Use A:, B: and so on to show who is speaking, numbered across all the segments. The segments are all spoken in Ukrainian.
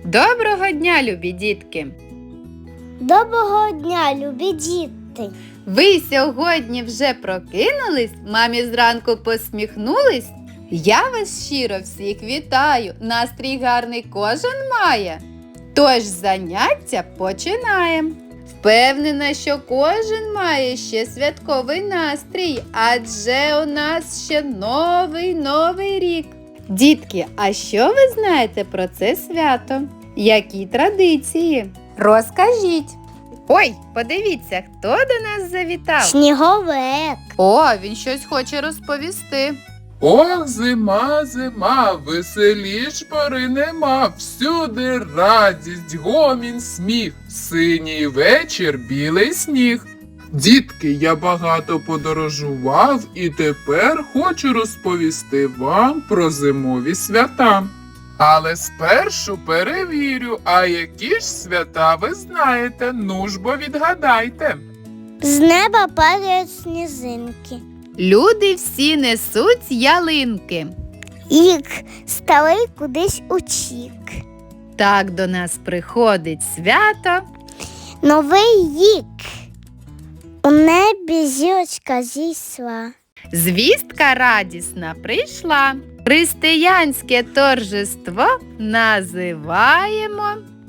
A: Доброго дня, любі дітки!
B: Доброго дня, любі діти!
A: Ви сьогодні вже прокинулись? Мамі зранку посміхнулись? Я вас щиро всіх вітаю! Настрій гарний кожен має. Тож заняття починаємо. Впевнена, що кожен має ще святковий настрій, адже у нас ще новий рік. Дітки, а що ви знаєте про це свято? Які традиції? Розкажіть. Ой, подивіться, хто до нас завітав?
B: Сніговик!
A: О, він щось хоче розповісти.
C: Ох, зима, зима, веселіш пори нема, всюди радість, гомін, сміх, синій вечір, білий сніг. Дітки, я багато подорожував і тепер хочу розповісти вам про зимові свята. Але спершу перевірю, а які ж свята ви знаєте, ну ж бо відгадайте.
B: З неба падають сніжинки.
A: Люди всі несуть ялинки.
B: Рік старий кудись утік.
A: Так до нас приходить свято.
B: Новий рік. У небі зірочка зійшла.
A: Звістка радісна прийшла. Християнське торжество називаємо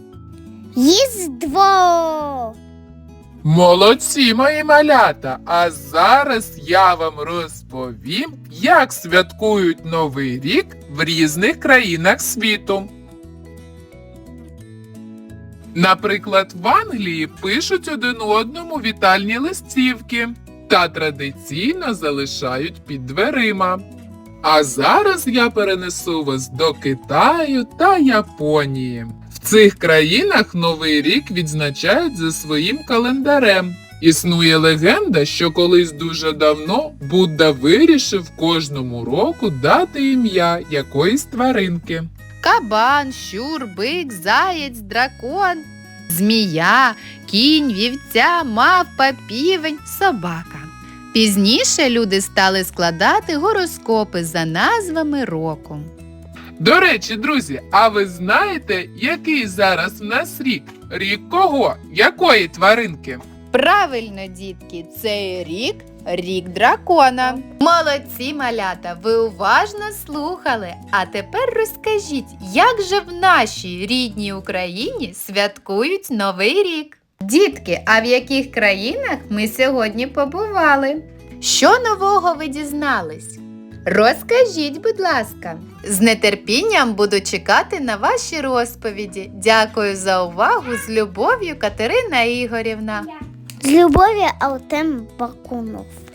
B: Різдво!
C: Молодці, мої малята! А зараз я вам розповім, як святкують Новий рік в різних країнах світу. Наприклад, в Англії пишуть один одному вітальні листівки та традиційно залишають під дверима. А зараз я перенесу вас до Китаю та Японії. В цих країнах Новий рік відзначають за своїм календарем. Існує легенда, що колись дуже давно Будда вирішив кожному року дати ім'я якоїсь тваринки.
A: кабан, щур, бик, заєць, дракон, змія, кінь, вівця, мавпа, півень, собака. Пізніше люди стали складати гороскопи за назвами року.
C: До речі, друзі, а ви знаєте, який зараз в нас рік? Рік кого? Якої тваринки?
A: Правильно, дітки, цей рік – рік дракона. Молодці, малята, ви уважно слухали. А тепер розкажіть, як же в нашій рідній Україні святкують Новий рік? Дітки, а в яких країнах ми сьогодні побували? Що нового ви дізнались? Розкажіть, будь ласка. З нетерпінням буду чекати на ваші розповіді. Дякую за увагу. З любов'ю, Катерина Ігорівна.
B: З любов'ю, Артем Бакунов.